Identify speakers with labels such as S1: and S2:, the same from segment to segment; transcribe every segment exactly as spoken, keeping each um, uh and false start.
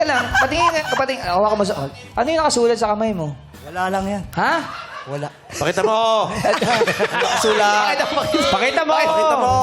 S1: lang, patingin, patingin, hawa ka mo sa... Ano yung nakasulat sa kamay mo?
S2: Wala lang yan.
S1: Ha?
S2: Wala.
S3: Pakita mo! Nakasulat!
S1: Pakita mo!
S3: Pakita mo!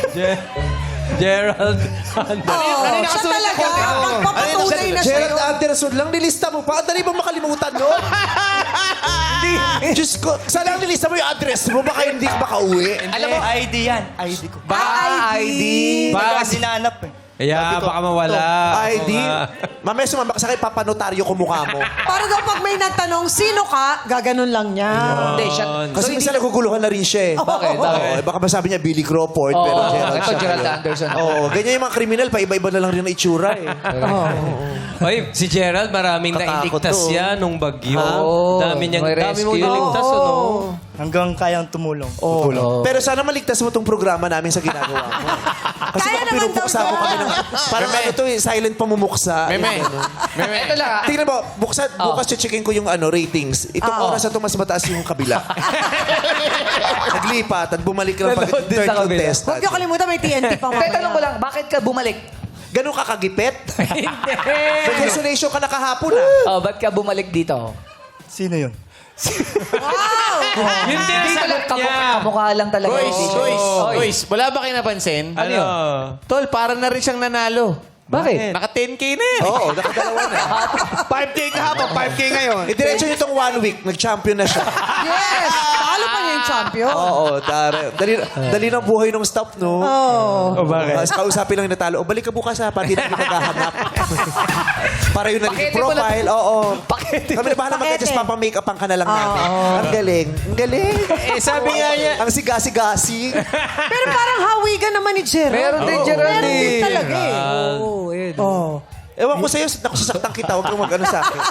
S4: Gerald.
S5: Oh, siya talaga. Magpapatunay na siya.
S3: Gerald Anderson lang, nilista mo pa. Ang dali ba makalimutan, no? Hindi. Diyos ko, saan lang nilista mo yung address mo? Baka hindi ka makauwi.
S2: Alam mo, I D yan. I D ko.
S1: Ba, I D.
S2: Baka sinanap eh.
S4: Kaya baka mawala.
S3: I D. Mamaya sumambak sa akin, papanotaryo ko mukha mo.
S5: Para daw pag may nagtanong, sino ka? Gaganon lang niya.
S1: Hindi, siya...
S3: Kasi minsan naguguluhan na rin siya eh.
S1: Bakit?
S3: Oo, eh, baka masabi niya Billy Crawford, pero
S1: Oo,
S3: Gerald
S1: ito
S3: siya.
S1: Gerald Anderson.
S3: Oo, ganyan yung mga kriminal, pa iba-iba na lang rin ang itsura eh.
S4: Oy, si Gerald, maraming
S3: Katakot
S4: nailigtas
S3: to.
S4: yan nung bagyo.
S1: Oo.
S4: Dami niyang,
S1: May
S4: dami mong
S1: rescue.
S4: niligtas, ano?
S2: Hanggang kayang tumulong.
S3: Oo.
S1: Oo.
S3: Pero sana maligtas mo tong programa namin sa ginagawa mo. Kasi
S5: Kaya
S3: baka
S5: naman
S3: pinupuksa
S5: daw
S3: mo
S5: yan.
S3: kami ng... Parang ano to eh, silent pamumuksa.
S6: Meme.
S3: Meme.
S1: Ito lang ah.
S3: Tingnan mo, buksa, bukas checkin ko yung ano, ratings. Itong
S5: Oo.
S3: oras na ito mas mataas yung kabila. Naglipat at bumalik lang pag
S1: Nanood din
S3: third
S1: sa kabila.
S3: contestant.
S5: Huwag niyo kalimutan, may T N T pa
S1: Teka, tanong ko lang, bakit ka bumalik?
S3: Ganun ka kagipet? May consolation ka na kahapon ah.
S1: Oh, ba't ka bumalik dito?
S2: Sino yun?
S5: Wow!
S4: Yun din ang
S1: Dito
S4: sagot
S1: lang, kamukha,
S4: niya.
S1: kamukha lang talaga.
S6: Boys,
S1: Dito.
S6: boys,
S1: Oy.
S6: boys, wala ba kayo napansin?
S1: Ano yun?
S6: Tol, parang na rin siyang nanalo.
S1: Bakit?
S6: Naka ten K na eh.
S3: Oo, nakadalawa na.
S6: five K kahapon, five K ngayon.
S3: Eh, diretso nyo itong one week, nag-champion na siya.
S5: Yes! Talo pa niya yung champion.
S3: Oo, dari, dali, dali ng buhay ng staff, no?
S5: Oh.
S3: O bakit? Kausapin lang yung natalo. O balik ka bukas ha, pati na naghahanap. Para yung naging
S1: Pakete mo lang.
S3: profile. Oo.
S1: Pakete.
S3: Kami na bahala
S5: Pakete.
S3: mag-adjust, papamake-upan ka na lang namin. Ang galing. Ang galing.
S6: Eh, sabi nga niya,
S3: Ang sigasi-gasi.
S5: Pero parang hawigan naman ni Gerald.
S1: Meron din, Gerald.
S5: Meron din
S1: eh.
S5: talaga eh.
S1: Oo, yun.
S5: Oh.
S3: Ewan ko sa'yo, nakusasaktan kita. Huwag kang mag-ano sa akin.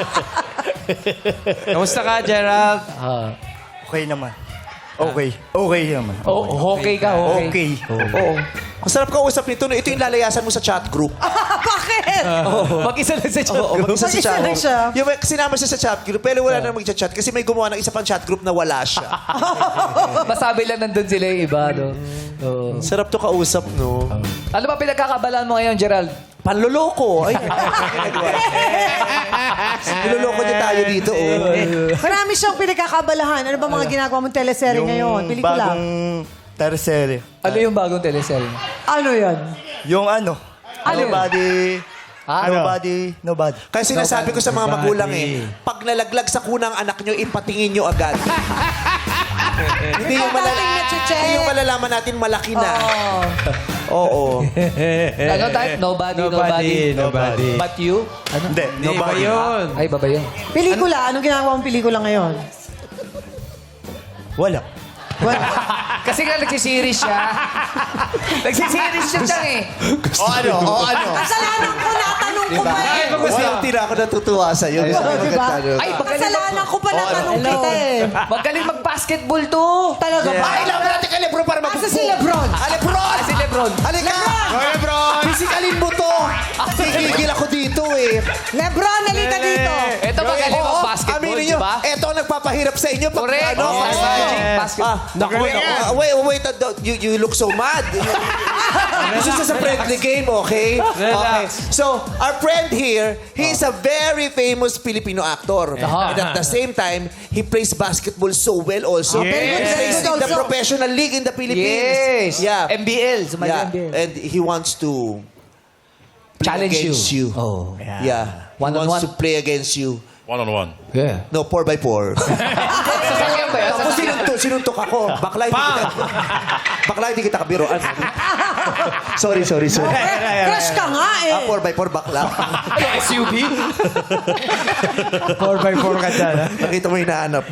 S4: Kamusta ka, Gerald?
S1: Ah.
S2: Okay naman. Okay. Okay naman.
S1: Oh, okay ka, okay.
S2: Okay.
S3: Oo. Ang sarap kausap nito. No? Ito yung lalayasan mo sa chat group.
S5: Bakit?
S1: Mag-isa lang sa chat
S3: Oo,
S1: group.
S3: mag-isa sa
S5: Mag-isa
S3: chat
S5: lang siya.
S3: Yung may- sinama siya sa chat group, pero wala na mag-chat kasi may gumawa ng isa pang chat group na wala siya.
S1: Masabi lang nandun sila yung iba, no? Oo.
S3: Sarap to kausap, no?
S1: Ano ba pinagkakabalaan mo ngayon, Gerald?
S3: Panloloko. Ay, niloloko niya tayo dito, oh.
S5: Marami siyang pinagkakabalahan. Ano ba mga ginagawa mong teleserye ngayon? Pelikula?
S2: bagong tercere.
S1: Ano yung bagong teleserye?
S5: Ano yan?
S2: Yung ano?
S5: Ano?
S2: Nobody.
S1: Ah,
S2: nobody. Nobody.
S3: Kaya sinasabi ko sa mga magulang eh, pag nalaglag sa kunang anak nyo, ipatingin nyo agad. Hindi yung, malala-
S5: Dating nache-check.
S3: hindi yung malalaman natin malaki na. Oo.
S1: Ano tayo? Nobody, nobody.
S4: Nobody.
S1: But you? Ano?
S2: Hindi.
S4: Hindi ba
S2: Nobody.
S4: yun?
S1: Ay, baba yun.
S5: Pelikula? Anong ginagawa mong pelikula ngayon?
S2: Wala.
S1: Kasi nga nagsisiris siya. nagsisiris siya dyan eh.
S6: o ano, o ano.
S5: Kasalanan ko na tanong ko pa eh.
S3: Walang tira ako natutuwa sa'yo. Gusto ko
S5: diba?
S3: maganda.
S1: Ay, magaling,
S5: Kasalanan ko pa na tanong
S1: Hello.
S5: kita eh.
S1: magaling mag-basketball to.
S5: Talaga ba?
S3: Ay, laban natin kay Lebron para
S5: Asa
S3: magpupo.
S5: si Lebron?
S3: Ah, Lebron!
S1: Ah, si Lebron.
S3: Halika!
S6: Hoy, Lebron!
S3: Physikalin mo to! Tigigil ako dito eh.
S5: Lebron, halika dito.
S1: Ito magaling
S3: Oo,
S1: mag-basketball,
S3: aminin
S1: di
S3: nyo,
S1: ba?
S3: eto ang nagpapahirap sa inyo. Pag,
S1: Correct.
S3: Ano,
S1: Yes.
S3: pag-
S1: Magic basket.
S3: Ah, naku,
S6: Magaling
S3: naku.
S6: yan.
S3: Ah, wait, wait, uh, you, you look so mad. This is just a friendly game, okay? Okay. So, our friend here, he is a very famous Filipino actor. And at the same time, he plays basketball so well also.
S6: Yes.
S5: Very good,
S3: He
S5: very
S3: plays
S5: good
S3: in the
S5: also.
S3: professional league in the Philippines.
S1: Yes.
S3: Yeah.
S1: M B L. Sumali
S3: Yeah.
S1: M B L.
S3: And he wants to play
S1: Challenge you.
S3: against you.
S1: Oh.
S3: Yeah. He
S1: One on
S3: wants
S1: one.
S3: to play against you.
S6: One-on-one.
S1: Yeah.
S3: No, four by four.
S1: Sasakyan ba yan?
S3: Tapos sinuntok, sinuntok ako. Bakla, hindi kita, bakla, hindi kita kabiroan. sorry, sorry, sorry.
S5: Crush ka nga eh.
S3: Ah, four by four bakla.
S1: S U V?
S4: four by four ka dyan, ha?
S3: Nakita mo hinahanap.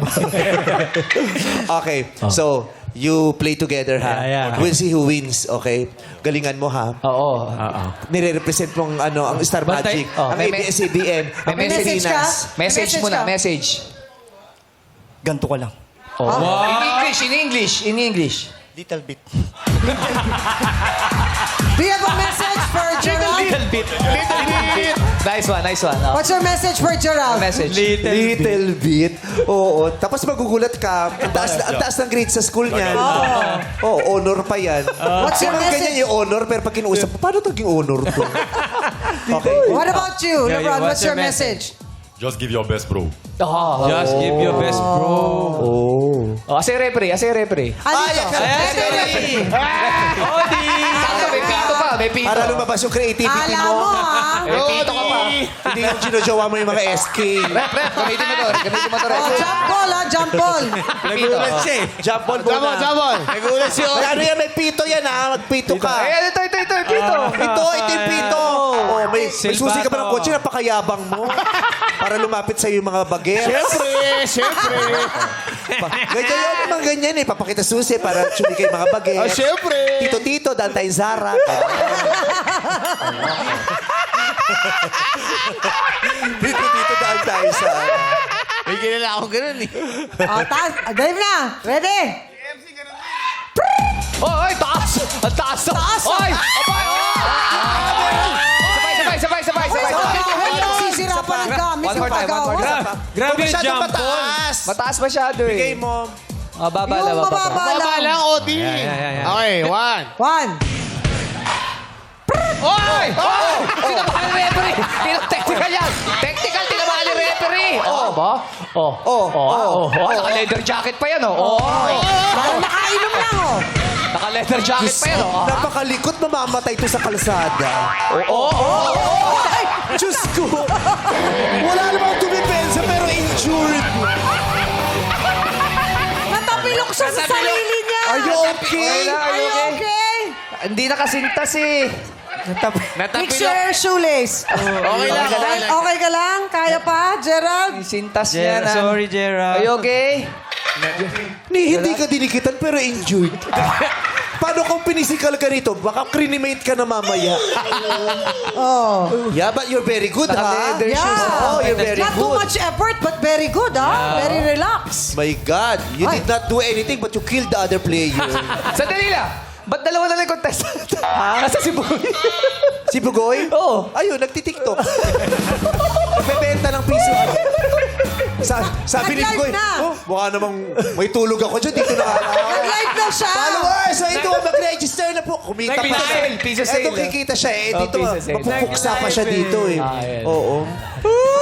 S3: Okay, so, you play together, ha?
S4: Yeah, yeah.
S3: We'll see who wins, okay? Galingan mo, ha?
S1: Oo.
S3: Nire-represent mong ano, ang Star
S1: Bantay.
S3: Magic,
S1: Oh,
S3: ang
S1: may-
S3: A B S C B N, ang
S1: may
S5: message ka?
S3: Pilipinas.
S1: Message
S5: Message
S1: muna,
S5: ka?
S1: message.
S2: Ganto ka lang.
S1: Oh. In English, in English, in English.
S2: Little bit.
S5: Do you have a message for Gerald?
S4: bit.
S6: Little bit.
S1: Nice one, nice one. Oh.
S5: What's your message for Gerald?
S1: Message.
S4: Little, bit.
S3: Little bit. Oo. Tapos magugulat ka. Ang taas, ang taas ng grade sa school niyan. Oo. Oh, honor pa yan.
S5: What's your
S3: Yung mga ganyan
S5: message?
S3: yung honor, pero pag kinuusap, paano naging honor to? Okay.
S5: What about you,
S4: Yeah, yeah,
S5: Lebron? What's your message?
S6: Just give your best, bro.
S1: Oh.
S4: Just give your best, bro.
S3: Oh.
S1: Oh, asa yung referee, asa yung referee.
S5: Ano
S3: Ay,
S5: ito?
S3: referee.
S4: Odi!
S1: Sakto, may pito pa, may pito.
S3: Para lumabas yung creativity
S5: Alam mo,
S3: mo.
S5: ah.
S1: May pito ka pa.
S3: Hindi yung ginojowa mo yung mga S K.
S1: Rep, rep, gamitin mo to, gamitin mo to, rep.
S5: Oh, jump ball, ah, jump ball.
S4: Nagulat siya eh.
S3: Jump ball muna.
S6: Jabon, jabon. Nagulat si
S3: May ano yan, may pito yan ha. Magpito ka.
S1: Ayan, ito, ito, ito, yung pito.
S3: Ito, ito yung pito. Oh, may, may susi ka pa ng
S4: Silbato.
S3: kotse, napakayabang mo. Para lumapit sa'yo yung mga bagets.
S6: Siyempre, siyempre.
S3: Ganyan yun, mga ganyan eh. Papakita susi para sumikay yung mga bagets.
S6: Ah, siyempre.
S3: Tito-tito, daan tayong Zara. Tito-tito, daan tayo sa...
S6: May kilala ako ganun eh.
S5: Oh, taas. Ah, Dave na. Ready?
S1: Oh, ay, taas! Ang taas! Taas! Oy! Abay! Sabay, sabay, sabay, sabay, sabay.
S5: Pagkawin yung sisira pa ng gamit
S1: One
S5: yung
S1: more time, one more
S5: paggawa.
S1: time.
S4: Grabe yung
S3: Masyadong
S4: jump ball.
S3: mataas.
S1: Mataas masyado eh.
S3: Bigay mo.
S1: Ah, baba lang,
S5: Yung
S1: baba.
S5: mababa
S6: Baba
S5: lang.
S6: lang, Odi.
S4: Yeah, yeah, yeah, yeah.
S6: Okay, one.
S5: One.
S1: Oy! Oh! Tinabahan ni referee! Tino- Technical yan! Technical, tinabahan ni referee! Oh, ba? Oh.
S3: Oh,
S1: Oh, oh, oh. Naka-leather jacket pa yan, oh. Oh.
S5: Parang nakainom lang, oh.
S1: Naka-leather jacket pa yan, oh.
S3: Napakalikot, mamamatay to sa kalsada.
S1: Oh, oh, oh.
S3: Ay, Diyos ko! Wala namang tumipensa pero injured.
S5: Natapilok siya sa sarili niya.
S3: Are you okay?
S1: Okay na,
S5: Are you okay?
S1: Hindi nakasintas eh.
S5: Fix your shoelace.
S6: Okay lang, okay lang.
S5: Okay ka lang? Kaya pa, Gerald?
S1: Sintas niya
S4: Gerald,
S1: na.
S4: sorry, Gerald.
S1: Are you okay?
S3: Ni, hindi ka dinikitan pero injured. Paano kung pinisikal ka rito? Baka crinimate ka na mamaya.
S5: Oh.
S3: Yeah, but you're very good, ha?
S1: Naka-leather
S5: Yeah.
S1: shoes.
S3: Oh, you're very
S5: Not too
S3: good.
S5: much effort, but very good, ah. Very relaxed.
S3: My God, you
S5: Ay.
S3: did not do anything but you killed the other player.
S1: Sandali lang. Ba't dalawa na lang yung contestant? Ha? Asa si Boy?
S3: Si Bugoy?
S1: Oo.
S3: Ayun, nagtitiktok. Nagbebenta ng piso. Sa, sabi ni
S5: Nag-live
S3: Bugoy,
S5: na.
S3: oh, mukha namang may tulog ako dyan. Dito na ako.
S5: Nag-live na siya.
S3: Followers, so ito, mag-register na po. Kumita pa
S1: Piso
S3: siya.
S1: sale, piso sale.
S3: Ito, kikita siya eh.
S1: Oh,
S3: Dito,
S1: piso sale.
S3: mapupuksa pa siya dito eh.
S1: Ah, yan.
S3: Oo.